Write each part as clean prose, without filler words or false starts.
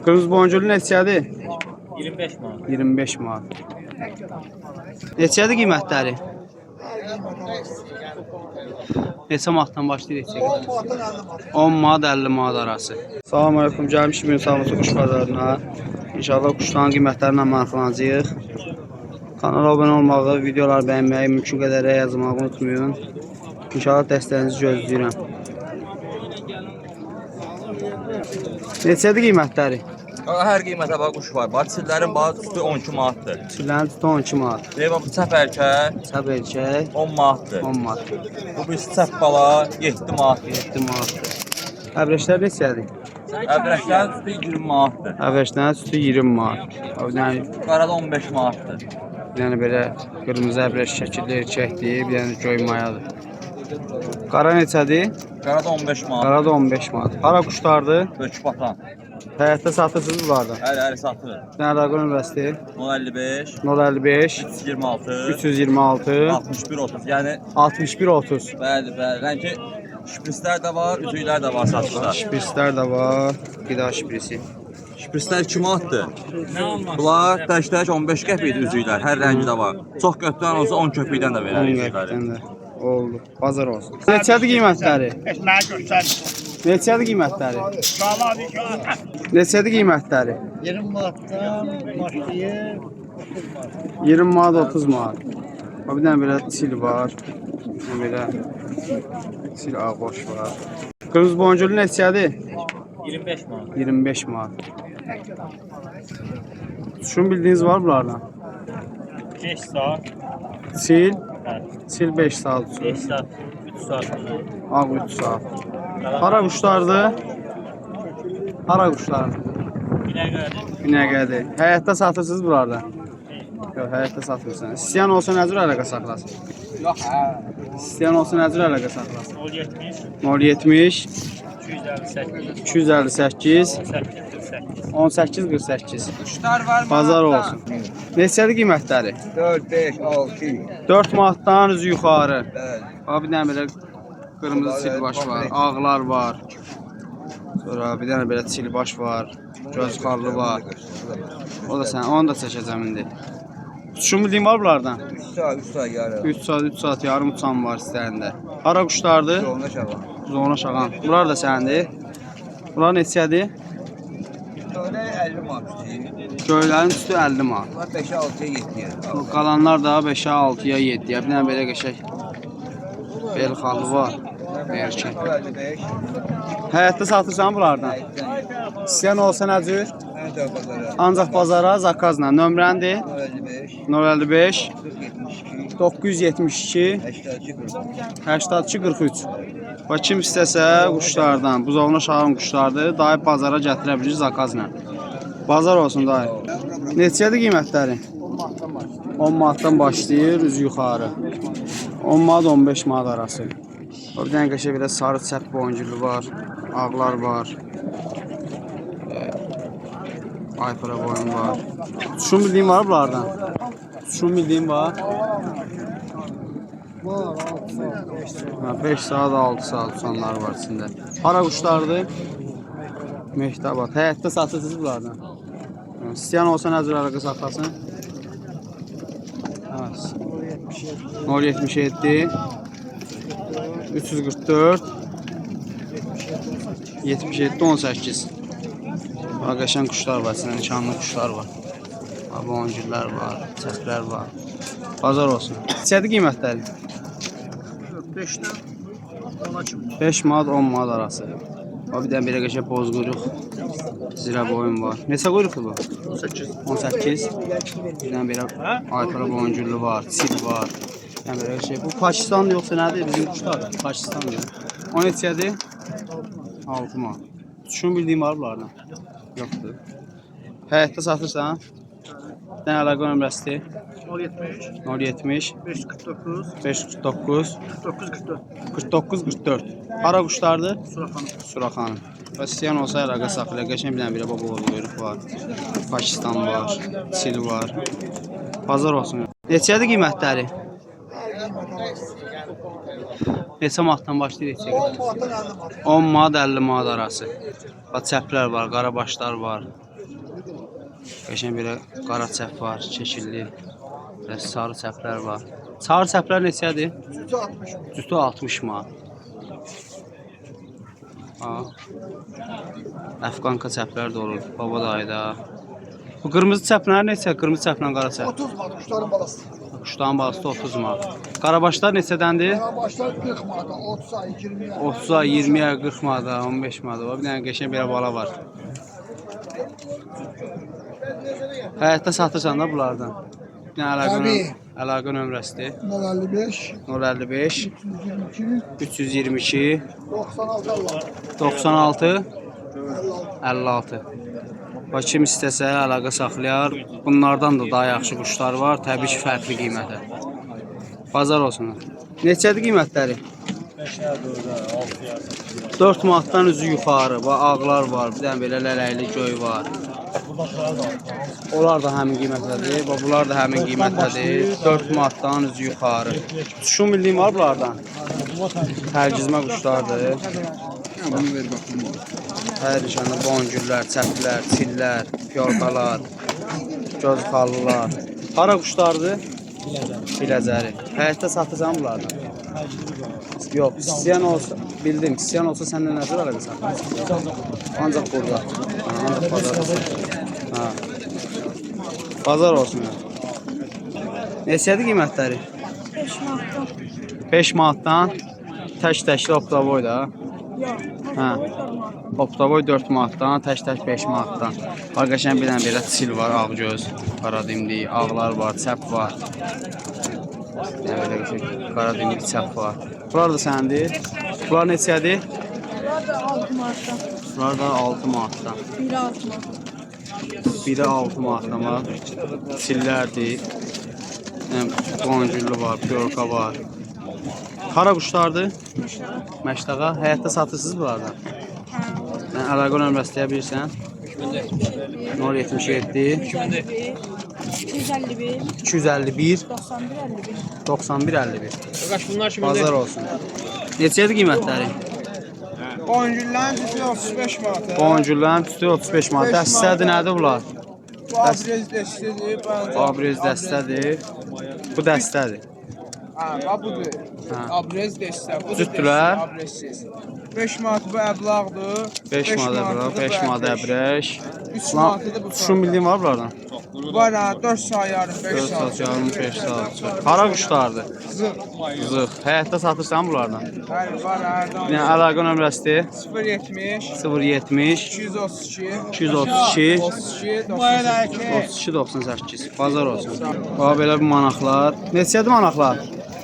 Qırmızı boncuklu neçədir? 25 manat. 25 manat. Neçədir qiymətləri? Neçə manatdan başlayır neçəyə qədər? 10 manat 50 manat arası. Salam aleyküm. Gəlmişik Münsamutu quş bazarına. İnşallah quşların qiymətlərindən maraqlanacağıq. Kanala abunə olmağı, videoları bəyənməyi, mümkün qədər yazmağı unutmayın. İnşallah dəstəyinizi gözləyirəm. Neçədir qiymətləri? Hər qiymətə bax quş var. Bax çillərin bax üstü 12 manatdır. Çillərin tutu 12 manat. Deyirəm bu çəp erkək Çəp erkək 10 manatdır. 10 manat. Bu birisi çəp bala 7 manatdır. 7 manatdır. Əbrəşlər neçədir? Əbrəklərin üstü 20 manatdır. Əbrəşlərin sütü 20 manat. Qarada 15 manatdır. Bir dənə belə qırmızı əbrəş şəkilli erkəkdir, bir dənə göy mayadır. Qara neçədir? Qarada 15 manat. Qara da 15 manat. Hara quşlardır? Böküb atan. Həyətdə satırsınız bunlardan. Əli satır. Bir dənə rəqəm nömrəsidir. 055 055 326 326 61 30. Yəni 61 30. bəli. Rəngi şprislər də var, üzüklər də var satışda. Şprislər də var. Qida şprisi. Şprislər 2 manatdır. Bunlar tək 15 qəpikdir üzüklər. Hər rəngi də var. Çox götürən olsa 10 köpükdən də verər 10 üzükləri. qəpikdən də. Oldu. Bazar olsun. Neçədir qiymətləri? Mənə göstər. Neçədir qiymətləri? Sağladı ki. Neçədir qiymətləri? 20 manatdan başlayır. 20 manat 30 manat. Bir dənə belə çil var. Belə çil ağboş var. Qırmızı boncuklu neçədir? 25 manat. 25 manat. Şunu bildiyiniz var bunlardan? 5 saat. Çil. Çil 5 saat uçur. 5 saat. 3 saat. Ağ 3 saat. Hara quşlardır? Hara quşlardır? Binəqədir. Həyətdə satırsınız bunlardan? Yox, həyətdə satmırsınız. İstəyən olsa nə cür əlaqə saxlasın? Yox, hə. İstəyən olsa nə cür əlaqə saxlasın? 070 070 258 258 18 48. Quşlar var. Bazar olsun. Neçədir qiymətləri? 4 5 6. 4 manatdan üzü yuxarı. Bəli. Bir dənə belə qırmızı çilbaş var, ağlar var. Sonra bir dənə belə çilbaş var, göz xarlı var. O da sən, onu da çəkəcəm indi. Uçuşun bildiyin var bunlardan? 3 saat yarım. 3 saat yarım uçan var istəyəndə. Hara quşlardır? Ona şaban. Zona şağan. Bunlar da səndir. Bunlar neçədir? Öyle 50 manat. Göylərin üstü 50 manat. Bunlar 5'e 6'ya 7'ye. Bu qalanlar da 5-ə, 6-ya, 7-yə. Bir dənə belə qəşəng bel xalı var. Erkək. 55. Həyətdə satırsan bunlardan? İstəyən olsa nə cür? Ben de pazara. Ancaq bazara zakazla. Nömrəndir 55. 055 42. 972 82 43. Bax kim istəsə quşlardan, buzovuna şahın quşlardır, dayı bazara gətirə bilir zakazla. Bazar olsun dayı. Neçədir qiymətləri? 10 manatdan başlayır, üzü yuxarı. 10 manat 15 manat arası. Bir dənə qəşəng belə sarı çəp boncuklu var, ağlar var. Aypara boyun var. Şunu bildiğin var bunlardan? Şunu bildiğin var. 5 saat 6 saat uçanlar var içində. Hara quşlardır? Mehtabat. Həyətdə satırsınız bunlardan. İstəyən olsa nə cür əlaqə saxlasın? 077 344 77 18. Qəşəng quşlar var, içində nişanlı quşlar var. Boncuklar var, çəplər var. Bazar olsun. Neçədir qiymətləri? 5'ten 10'a çıktı. 5 manat 10 manat arası. Bir dənə belə qəşəng boz quyruq, zirə boyun var. Neçə quyruqdur bu? 18. 18. Bir dənə belə aypara boncuklu var, çil var. Yəni belə şey. Bu Pakistan yoxsa nədir? Bizim quşlar. Pakistan deyir. O neçədir? 6 manat. Şunu bildiyim var bunlardan? Yoxdur. Həyətdə satırsan? Bir dənə əlaqə nömrəsidir. 070 070 549 549 49 44. 49 44. Hara quşlardır? Suraxanım. Suraxanım. Və istəyən olsa əlaqə saxlayır. Qəşəng bir dənə belə baba quyruq var. Pakistan var, çil var. Bazar olsun. Neçədir qiymətləri? Neçə manatdan başlayır neçəyə qədər? 10 manat 50 manat arası. Bax çəplər var, qarabaşlar var. Qəşəng belə qara çəp var, çeşilli. Belə sarı çəplər var. Sarı çəplər neçədir? Cütü 60 manat. Əfqanka çəplər də olur. Baba dayıda. Bu qırmızı çəplər neçə? Qırmızı çəplə qara çəp. 30 manat kuşların balası. Kuşların balası da 30 manat. Qarabaşlar neçədəndir? Qarabaşlar 40 manat, 30 ay, 20 ay. 30 ay, 20 ay, 40 manat, 15 manat var. Bir dənə qəşəng belə bala var. Həyətdə satırsan da bunlardan. Bir dənə əlaqə nömrəsidir. 055 055 322 322 96 96 56. Bax kim istəsə əlaqə saxlayar. Bunlardan da daha yaxşı quşlar var. Təbii ki, fərqli qiymətə. Bazar olsun. Neçədir qiymətləri? 4 manatdan üzü yuxarı. Bax ağlar var. Bir dənə belə lələkli göy var. Onlar da həmin qiymətlədir. Bax bunlar da həmin qiymətlədir. 4 manatdan üzü yuxarı. Şu milliyim var bunlardan. Tərcizmə quşlardır. Hər işanda boncuklar, çəplər, çillər, piyorkalar, göz xallılar. Hara quşlardır? Biləcəri. Həyətdə satırsan bunlardan? Yox, istəyən olsa, bildim. İstəyən olsa səndən nəzər əlaqə saxlayırsan? Ancaq burada. Ancaq bazar olsun. Bazar olsun. Neçədir qiymətləri? 5 manatdan. 5 manatdan. Tək-təkli optavoy da. Yox. Hə. Optavoy 4 manatdan, tək-tək 5 manatdan. Var qəşəng bir dənə belə sil var, ağgöz, qara dimdik, ağlar var, çəp var. Yəni belə qəşəng qara dimdik çəp var. Bunlar da səndir. Bunlar neçədir? Bunlar da 6 manatdan. Bunlar da 6 manatdan. Biri 6 manatdan. Biri 6 manatdan var. Sillərdir. Boncuklu var, piyorka var. Hara quşlardır? Məşdağa. Həyətdə satırsınız bunlardan? Mən əlaqə nömrəsi deyə bilirsən? 077 251 251 91 51. 91 51. Bazar olsun. Neçədir qiymətləri? Boncukların cüzü 35 manat. Boncukların tütü 35 manat. Dəstədir nədir bunlar? Bu abrez dəstədir. Abrez dəstədir. Bu dəstədir. Ha, budur. Abrez dəstə. Bu Cütdülər. Abrezsiz. 5 manat bu əblağdır. 5 manat əbrəş, 5 manat əbrəş. 3 manatı da bu. Şu milliyin var bunlardan? Var ha, 4 saat yarım, 5 4 saat. saat yarım, 5 saat. Hara quşlardır? Zıq. Zıq. Həyətdə satırsan bunlardan? Bəli, var hərdən. Bir dənə əlaqə nömrəsidir. 070 070 232 232 32 32 98. Bazar olsun. Bax belə bir manaqlar. Neçədir manaqlar?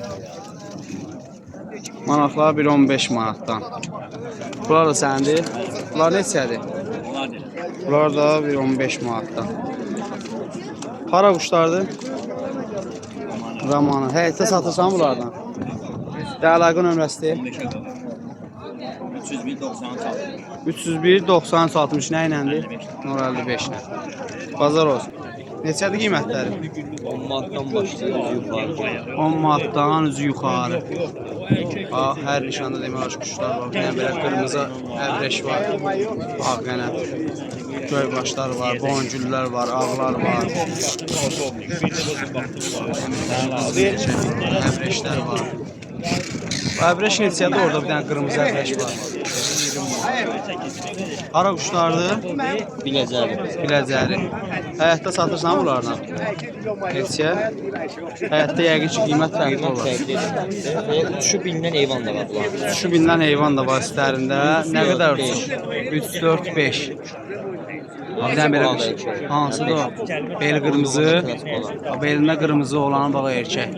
Manaqlar 1.15 manatdan. Bunlar da səndir. Bunlar neçədir? Bunlar da 1.15 manatdan. Hara quşlardır? Ramanı. Həyətdə satırsan bunlardan? Əlaqə nömrəsidir. 301 93 60 nə iləndir? 055 ilə. Bazar olsun. Neçədir qiymətləri? 10 manatdan başlayır yuxarı. 10 manatdan üzü yuxarı. Bax, hər nişanda demək olar quşlar var. Bir dənə belə qırmızı əbrəş var. Ağ qənət. Göy başlar var, boncuklar var, ağlar var. Əbrəşlər var. Bu əbrəş neçədir? Orada bir dənə qırmızı əbrəş var. Hara quşlardır? Biləcəri. Həyətdə satırsan bunlardan? Neçə? Həyətdə yəqin ki, qiymət fərqli olur. Uçuşu bindən eyvan da var bunlar. Şu bindən heyvan da var üstlərində. Nə qədər uçur? 3, 4, 5. Bir dənə belə quş. Hansıdır o? Beli qırmızı. Belində qırmızı olanı bax erkək.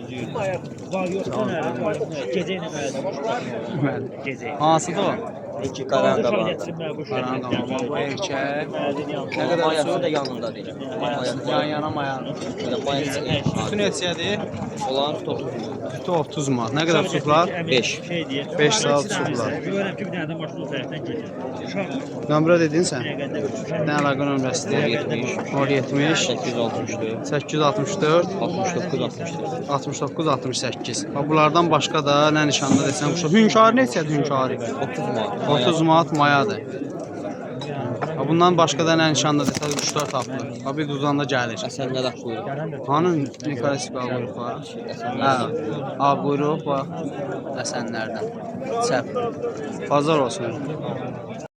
Hansıdır o? İki qaran da var. Qaranı da var. Bu erkək. Nə qədər Mayası uçur? da yanında deyil. Yan-yana mayan. Tütü neçədir? Olan tutur. Tütü 30 manat. Nə qədər uçurlar? 5. 5 saat uçurlar. Görürəm ki, bir dənə də maşın o tərəfdən gedir. Nömrə dedin sən? Nə əlaqə nömrəsidir? 070 864. 864 69 64. 69 68. Bax bunlardan başqa da nə nişanda desən quşa. Hünkar neçədir hünkari? 30 manat. 30 manat mayadır. Ha, bundan başqa da nə nişanda desəz quşlar tapılır. Ha, bir duzanda gəlir. Əsənlər at buyurun. Hanı Nikolas Balqurux var? Hə, ağ quyruq var. Əsənlərdən. Çəp. Bazar olsun.